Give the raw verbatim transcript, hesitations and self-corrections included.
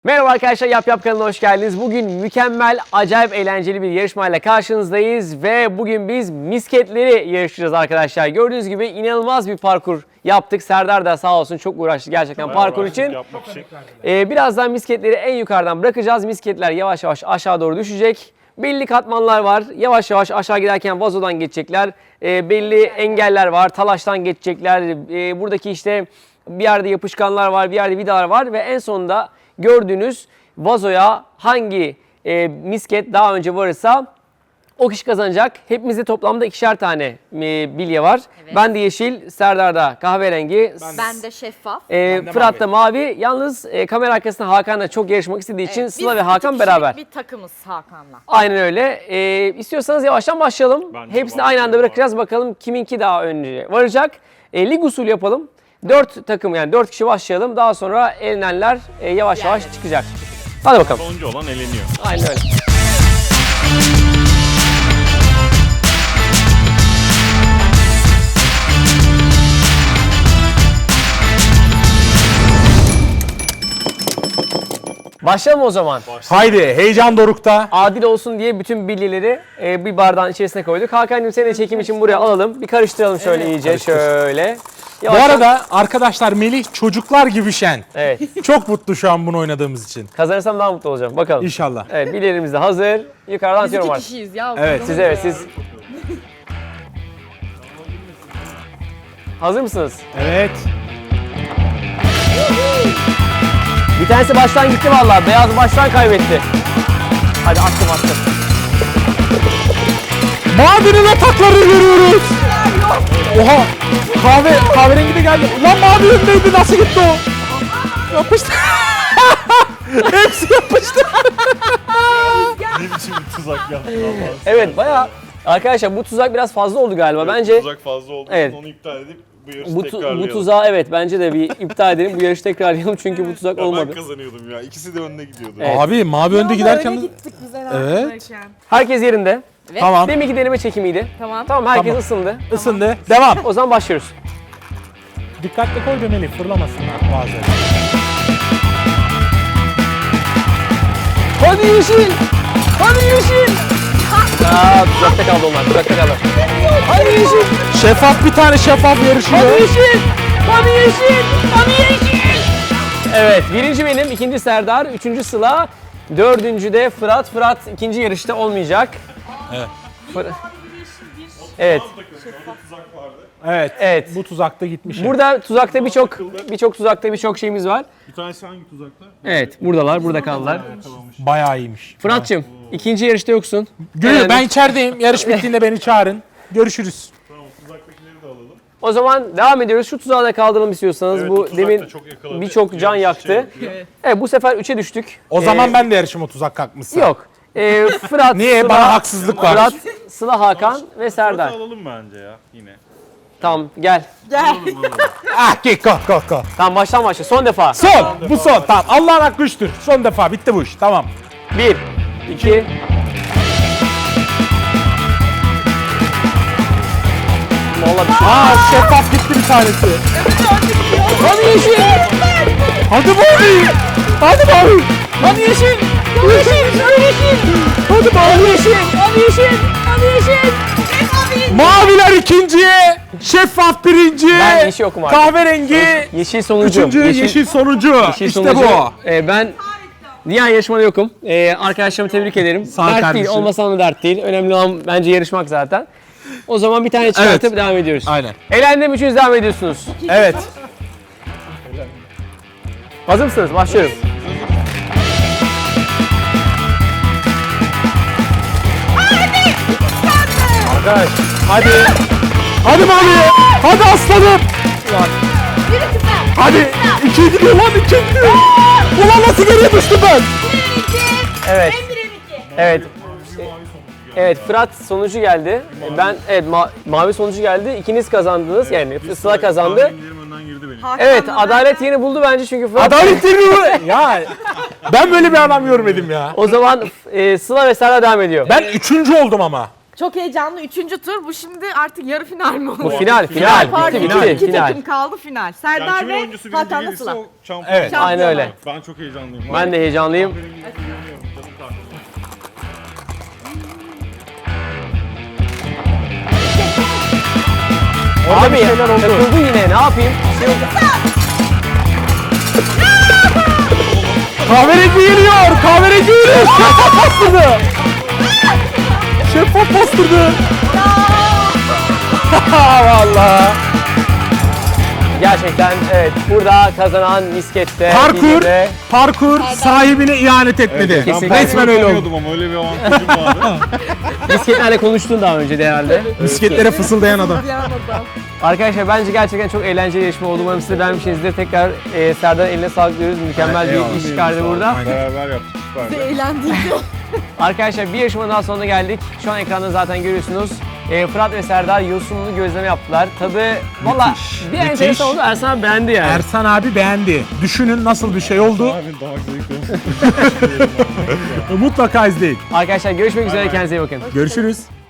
Merhaba arkadaşlar, Yap Yap kanalına hoş geldiniz. Bugün mükemmel, acayip eğlenceli bir yarışmayla karşınızdayız ve bugün biz misketleri yarışacağız arkadaşlar. Gördüğünüz gibi inanılmaz bir parkur yaptık. Serdar da sağ olsun çok uğraştı gerçekten Çok parkur uğraştık için. yapmak için. Ee, birazdan misketleri en yukarıdan bırakacağız. Misketler yavaş yavaş aşağı doğru düşecek. Belli katmanlar var. Yavaş yavaş aşağı giderken vazodan geçecekler. Ee, belli engeller var. Talaştan geçecekler. Ee, buradaki işte bir yerde yapışkanlar var, bir yerde vidalar var ve en sonunda gördüğünüz vazoya hangi e, misket daha önce varırsa o kişi kazanacak. Hepimizde toplamda ikişer tane e, bilye var. Evet. Ben de yeşil, Serdar'da kahverengi, Ben de şeffaf. e, Fırat da mavi. Yalnız e, kamera arkasında Hakan da çok yarışmak istediği için Evet, Sıla biz ve Hakan iki beraber. kişilik bir takımız Hakan'la. Aynen öyle. E, istiyorsanız yavaştan başlayalım. Bence Hepsini aynı anda başlayalım. bırakacağız. Bakalım kiminki daha önce varacak. E, lig usulü yapalım. Dört takım yani dört kişi başlayalım. Daha sonra elenenler e, yavaş yavaş Yani. çıkacak. Hadi bakalım. Sonuncu olan eleniyor. Aynen öyle. Başlayalım o zaman. Haydi heyecan dorukta. Adil olsun diye bütün bilyeleri e, bir bardağın içerisine koyduk. Hakan'cığım seni de çekim için buraya alalım. Bir karıştıralım şöyle iyice. Karıştır. Şöyle. Bu Yavaştan- arada arkadaşlar Melih çocuklar gibi şen. Evet. Çok mutlu şu an bunu oynadığımız için. Kazanırsam daha mutlu olacağım. Bakalım. İnşallah. Evet, bilyelerimiz de hazır. Yukarıdan Biz atıyorum iki artık. kişiyiz ya. Evet. Siz evet siz. Hazır mısınız? Evet. Bir tanesi baştan gitti vallahi. Beyaz baştan kaybetti. Hadi attım attım. Mavinin atakları görüyoruz. Oha. Kahve, kahverengi de geldi. Ulan mavi öndeydi, nasıl gitti o? Yapıştı. Hepsi yapıştı. Ne biçim bir tuzak yaptın Allah'ım. Evet bayağı. Arkadaşlar bu tuzak biraz fazla oldu galiba. Bence Tuzak fazla olduğu Evet. için onu iptal edip bu yarışı bu, tu- tekrarlayalım. bu tuzağı evet bence de bir iptal edelim. Bu yarışı tekrarlayalım çünkü bu tuzak Ya olmadı. ben kazanıyordum ya. İkisi de önüne gidiyordu. Evet. Abi mavi önde giderken... gittik biz en Evet. arkadayken. Herkes yerinde. Evet. Tamam. Deminki deneme çekimiydi. Tamam. Tamam herkes Tamam. ısındı. Isındı. Devam. O zaman başlıyoruz. Dikkatli koy be Melih, fırlamasınlar bazen. Hadi yeşil! Hadi yeşil! Aa, tuzakta kaldı onlar, tuzakta kaldı. Hadi yeşil! Şeffaf bir tane şeffaf yarışıyor. Hadi yeşil! Hadi yeşil! Hadi yeşil! Evet, birinci benim, ikinci Serdar, üçüncü Sıla, dördüncü de Fırat. Fırat ikinci yarışta olmayacak. Evet. Fır- Evet, Evet. Evet. Bu tuzakta gitmiş. burada tuzakta birçok birçok tuzakta birçok şeyimiz var. Bir tanesi hangi tuzakta? Evet, buradalar, burada kaldılar. Bayağı iyiymiş. Fırat'cığım, ikinci yarışta yoksun. Gülü Elendik. ben içerideyim. Yarış bittiğinde beni çağırın. Görüşürüz. Tamam, tuzaktakileri de alalım. O zaman devam ediyoruz. Şu tuzağa da kaldıralım istiyorsanız. Evet, bu bu tuzak da demin çok yakaladı. birçok can Yarış yaktı. şey yapıyor. Evet, bu sefer üçe düştük. O Ee, zaman ben de yarışım o tuzak kalkmışsa. Yok. Ee, Fırat, Niye? Sıla, Bana haksızlık var. Fırat, Sıla, Hakan ve Serdar. Fırat'ı alalım bence ya yine. Tamam gel. Gel. Ah ki kalk kalk kalk. Tamam baştan başla. Son defa. Son. Bu son. Tamam. Allah'ın hakkı üçtür. Son defa. Bitti bu iş. Tamam. Bir, iki. Vallahi bir şey. Aa şeffaf gitti bir tanesi. Hadi yeşil. Hadi mavi. Hadi mavi. Hadi yeşil. Yeşil. Hadi yeşil. Hadi mavi. Yeşil. Hadi yeşil. Hadi yeşil. Maviler ikinciye. Şeffaf birinci. Ben yeşil okum artık. Kahverengi. Yeşil sonuncu. Üçüncü yeşil, sonucu. Yeşil işte sonucu. bu. Ee, ben diğer yarışmada yokum. Ee, arkadaşlarımı tebrik ederim. Sağ ol dert değil, kardeşim. olmasa da dert değil. Önemli olan bence yarışmak zaten. O zaman bir tane çıkartıp Evet. devam ediyoruz. Aynen. Elendim, üçünüz devam ediyorsunuz. Evet. Hazır mısınız? Başlıyorum. Arkadaş, Hadi. Hadi mavi. Hadi aslanım. Hadi. İkiye gidiyor lan. İkiye gidiyor. Ulan nasıl geriye düştüm ben? evet. Evet. Evet, Fırat sonucu geldi. Ben evet ma- mavi sonucu geldi. İkiniz kazandınız. Yani Sıla kazandı. Tahminlerim önden girdi benim. Evet, adalet yeni buldu bence çünkü Fırat. Adalet değil mi bu? Ya ben böyle bir adam görmedim ya. O zaman e, Sıla ve Serdar devam ediyor. Ben üçüncü oldum ama. Çok heyecanlı. Üçüncü tur. Bu şimdi artık yarı final mi Bu oluyor? final, final. Pardon, Bitti, iki, bitti, iki final. takım kaldı final. Yani Serdar kimin ve oyuncusu birinci Hakan'la gelirse Sıla. o şampiyon. Evet. Aynen öyle. Ben çok heyecanlıyım. Ben de heyecanlıyım. Kahverengiye güveniyorum, canım kardeşim. Orada Abi bir şeyler oldu. takıldı yine, ne yapayım? Bir şey yok. Kahverengi geliyor. Kahverengi geliyor. Şeffaf bastırdı. Şeffaf bastırdı. Vallahi. Gerçekten evet, burada kazanan miskette. Parkur, İzmir'de- parkur sahibine ihanet etmedi. Evet, ben Kesinlikle. Resmen öyle oldu. kullanıyordum ama öyle bir avantajım vardı. Misketlerle konuştun daha önce de herhalde. Bisikletlere fısıldayan adam. Arkadaşlar bence gerçekten çok eğlenceli yarışma oldu. Umarım siz de beğenmişsinizdir. Tekrar e, Serdar eline sağlık diyoruz. Mükemmel Evet, bir eyvallah. iş çıkardı burada. Beraber yaptık, süperdi. Eğlendik. Arkadaşlar bir yarışma daha sonuna geldik. Şu an ekranda zaten görüyorsunuz. E, Fırat ve Serdar yosunlu gözleme yaptılar. Tadı valla bir müthiş. enteresan oldu. Ersan abi beğendi yani. Ersan abi beğendi. Düşünün nasıl bir şey oldu. Abi daha zevkli olsun. Mutlaka izleyin. Arkadaşlar görüşmek üzere. bay. Kendinize iyi bakın. Görüşürüz.